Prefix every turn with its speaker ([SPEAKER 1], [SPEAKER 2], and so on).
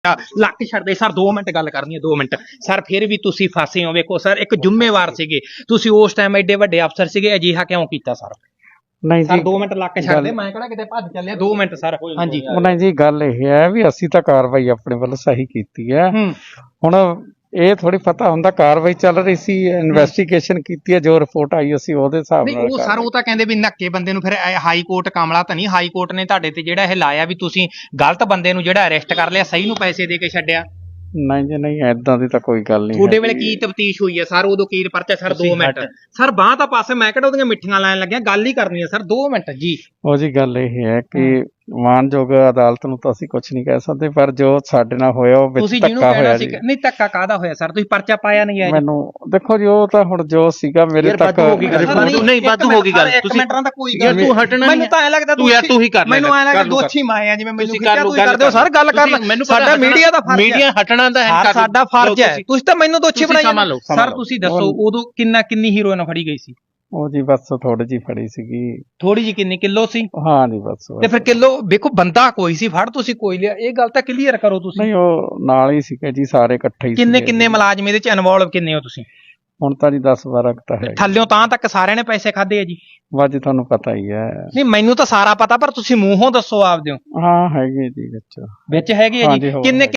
[SPEAKER 1] ਲੱਕ ਛੱਡਦੇ sir 2 minute ਗੱਲ ਕਰਨੀ ਹੈ 2 ਮਿੰਟ ਸਰ ਫਿਰ ਵੀ ਤੁਸੀਂ ਫਸੇ ਹੋ ਵੇਖੋ ਸਰ ਇੱਕ ਜ਼ਿੰਮੇਵਾਰ ਸੀਗੇ ਤੁਸੀਂ ਉਸ ਟਾਈਮ ਐਡੇ ਵੱਡੇ ਅਫਸਰ ਸੀਗੇ ਅਜਿਹਾ ਕਿਉਂ ਕੀਤਾ ਸਰ
[SPEAKER 2] ਨਹੀਂ
[SPEAKER 1] ਸਰ
[SPEAKER 2] ਜੀ
[SPEAKER 1] 2 ਮਿੰਟ ਲੱਕ ਛੱਡਦੇ ਮੈਂ ਕਿਹੜਾ ਕਿਤੇ ਭੱਜ ਚੱਲਿਆ 2 ਮਿੰਟ ਸਰ ਹਾਂਜੀ
[SPEAKER 2] ਨਹੀਂ ਜੀ ਗੱਲ ਇਹ ਹੈ ਵੀ ਅਸੀਂ ਤਾਂ ਕਾਰਵਾਈ ਆਪਣੇ ਵੱਲੋਂ ਸਹੀ ਕੀਤੀ ਹੈ ਹੁਣ ਇਹ ਥੋੜੀ ਪਤਾ ਹੁੰਦਾ ਕਾਰਵਾਈ ਚੱਲ ਰਹੀ ਸੀ ਇਨਵੈਸਟੀਗੇਸ਼ਨ ਕੀਤੀ ਹੈ ਜੋ ਰਿਪੋਰਟ ਆਈ ਅਸੀਂ ਉਹਦੇ ਹਿਸਾਬ
[SPEAKER 1] ਨਹੀਂ
[SPEAKER 2] ਨਾਲ
[SPEAKER 1] ਉਹ ਸਰ ਉਹ ਤਾਂ ਕਹਿੰਦੇ ਵੀ ਨੱਕੇ ਬੰਦੇ ਨੂੰ ਫਿਰ ਹਾਈ ਕੋਰਟ ਕਾਮਲਾ ਤਾਂ ਨਹੀਂ ਹਾਈ ਕੋਰਟ ਨੇ ਤੁਹਾਡੇ ਤੇ ਜਿਹੜਾ ਇਹ ਲਾਇਆ ਵੀ ਤੁਸੀਂ ਗਲਤ ਬੰਦੇ ਨੂੰ ਜਿਹੜਾ ਅਰੈਸਟ ਕਰ ਲਿਆ ਸਹੀ ਨੂੰ ਪੈਸੇ ਦੇ ਕੇ ਛੱਡਿਆ
[SPEAKER 2] ਨਹੀਂ ਜੀ ਨਹੀਂ ਏਦਾਂ ਦੀ ਤਾਂ ਕੋਈ ਗੱਲ ਨਹੀਂ
[SPEAKER 1] ਤੁਹਾਡੇ ਵੇਲੇ ਕੀ ਤਫਤੀਸ਼ ਹੋਈ ਹੈ ਸਰ ਉਦੋਂ ਕੀ ਪਰਚਾ ਸਰ 2 ਮਿੰਟ ਸਰ ਬਾਹ ਤਾਂ ਪਾਸੇ ਮੈਂ ਕਿਹੜਾ ਉਹਦੀਆਂ ਮਿੱਠੀਆਂ ਲੈਣ ਲੱਗਿਆ ਗੱਲ ਹੀ ਕਰਨੀ ਹੈ ਸਰ 2 ਮਿੰਟ ਜੀ
[SPEAKER 2] ਉਹ ਜੀ ਗੱਲ ਇਹ ਹੈ ਕਿ ਮਾਨਯੋਗ ਅਦਾਲਤ ਨੂੰ ਤਾਂ ਅਸੀਂ ਕੁਝ ਨਹੀਂ ਕਹਿ ਸਕਦੇ ਪਰ ਜੋ ਸਾਡੇ ਨਾਲ ਹੋਇਆ ਉਹ ਵਿੱਚ
[SPEAKER 1] ਤੁਸੀਂ ਜਿਹਨੂੰ
[SPEAKER 2] ਧੱਕਾ
[SPEAKER 1] ਕਹਿਣਾ
[SPEAKER 2] ਹੋਇਆ
[SPEAKER 1] ਸੀ
[SPEAKER 2] ਜੀ
[SPEAKER 1] ਨਹੀਂ ਧੱਕਾ ਕਾਹਦਾ ਹੋਇਆ ਸਰ ਤੁਸੀਂ ਪਰਚਾ ਪਾਇਆ ਨਹੀਂ ਹੈ
[SPEAKER 2] ਮੈਨੂੰ ਦੇਖੋ ਜੀ ਉਹ ਤਾਂ ਹੁਣ ਜੋ ਸੀਗਾ ਮੇਰੇ ਤੱਕ
[SPEAKER 3] ਨਹੀਂ ਵਾਧੂ ਹੋ ਗਈ ਗੱਲ
[SPEAKER 1] ਤੁਸੀਂ ਮਿੰਟਾਂ ਦਾ ਕੋਈ ਗੱਲ
[SPEAKER 3] ਤੂੰ ਹਟਣਾ
[SPEAKER 1] ਮੈਨੂੰ ਤਾਂ ਐ ਲੱਗਦਾ
[SPEAKER 3] ਤੂੰ ਯਾਰ ਤੂੰ ਹੀ ਕਰ ਲੈ
[SPEAKER 1] ਮੈਨੂੰ ਐ ਲੱਗਦਾ ਦੋਛੀ ਮਾਏ ਆ ਜਿਵੇਂ ਮੈਨੂੰ ਕਿਹਾ ਤੁਸੀਂ ਕਰਦੇ ਹੋ ਸਰ ਗੱਲ ਕਰਨ ਸਾਡਾ ਮੀਡੀਆ ਦਾ ਫਰਜ਼ ਹੈ
[SPEAKER 3] ਮੀਡੀਆ ਹਟਣਾ ਤਾਂ ਹੈ
[SPEAKER 1] ਸਾਡਾ ਫਰਜ਼ ਹੈ ਤੁਸੀਂ ਤਾਂ ਮੈਨੂੰ ਦੋਛੀ ਬਣਾਈ ਸਰ ਤੁਸੀਂ ਦੱਸੋ ਉਦੋਂ ਕਿੰਨੀ ਹੀਰੋਇਨ ਫੜੀ ਗਈ ਸੀ
[SPEAKER 2] ਉਹ ਜੀ ਬਸ ਥੋੜੀ ਜੀ ਫੜੀ ਸੀਗੀ
[SPEAKER 1] ਥੋੜੀ ਜੀ ਕਿੰਨੀ ਕਿਲੋ ਸੀ
[SPEAKER 2] ਹਾਂ ਜੀ ਬਸ
[SPEAKER 1] ਤੇ ਫਿਰ ਕਿਲੋ ਵੇਖੋ ਬੰਦਾ ਕੋਈ ਸੀ ਫੜ ਤੁਸੀਂ ਕੋਈ ਲਿਆ ਇਹ ਗੱਲ ਤਾਂ ਕਲੀਅਰ ਕਰੋ ਤੁਸੀਂ
[SPEAKER 2] ਨਹੀਂ ਉਹ ਨਾਲ ਹੀ ਸੀਗੇ ਜੀ ਸਾਰੇ ਇਕੱਠੇ ਹੀ
[SPEAKER 1] ਕਿੰਨੇ ਮੁਲਾਜ਼ਮ ਇਹਦੇ ਚ ਇਨਵੋਲਵ ਕਿੰਨੇ ਹੋ ਤੁਸੀਂ
[SPEAKER 2] ਹੁਣ ਤਾਂ ਜੀ 10-12 ਤਾਂ ਹੈ
[SPEAKER 1] ਥੱਲਿਓਂ ਤਾਂ ਤੱਕ ਸਾਰਿਆਂ ਨੇ ਪੈਸੇ ਖਾਦੇ ਆ ਜੀ
[SPEAKER 2] ਵਾਜੀ ਤੁਹਾਨੂੰ ਪਤਾ ਹੀ ਹੈ
[SPEAKER 1] ਨਹੀਂ ਮੈਨੂੰ ਤਾਂ ਸਾਰਾ ਪਤਾ ਪਰ ਤੁਸੀਂ ਮੂੰਹੋਂ ਦੱਸੋ ਆਪਦੇ
[SPEAKER 2] ਹਾਂ ਹੈਗੇ ਜੀ ਵਿੱਚ
[SPEAKER 1] ਹੈਗੇ ਆ ਜੀ ਕਿੰਨੇ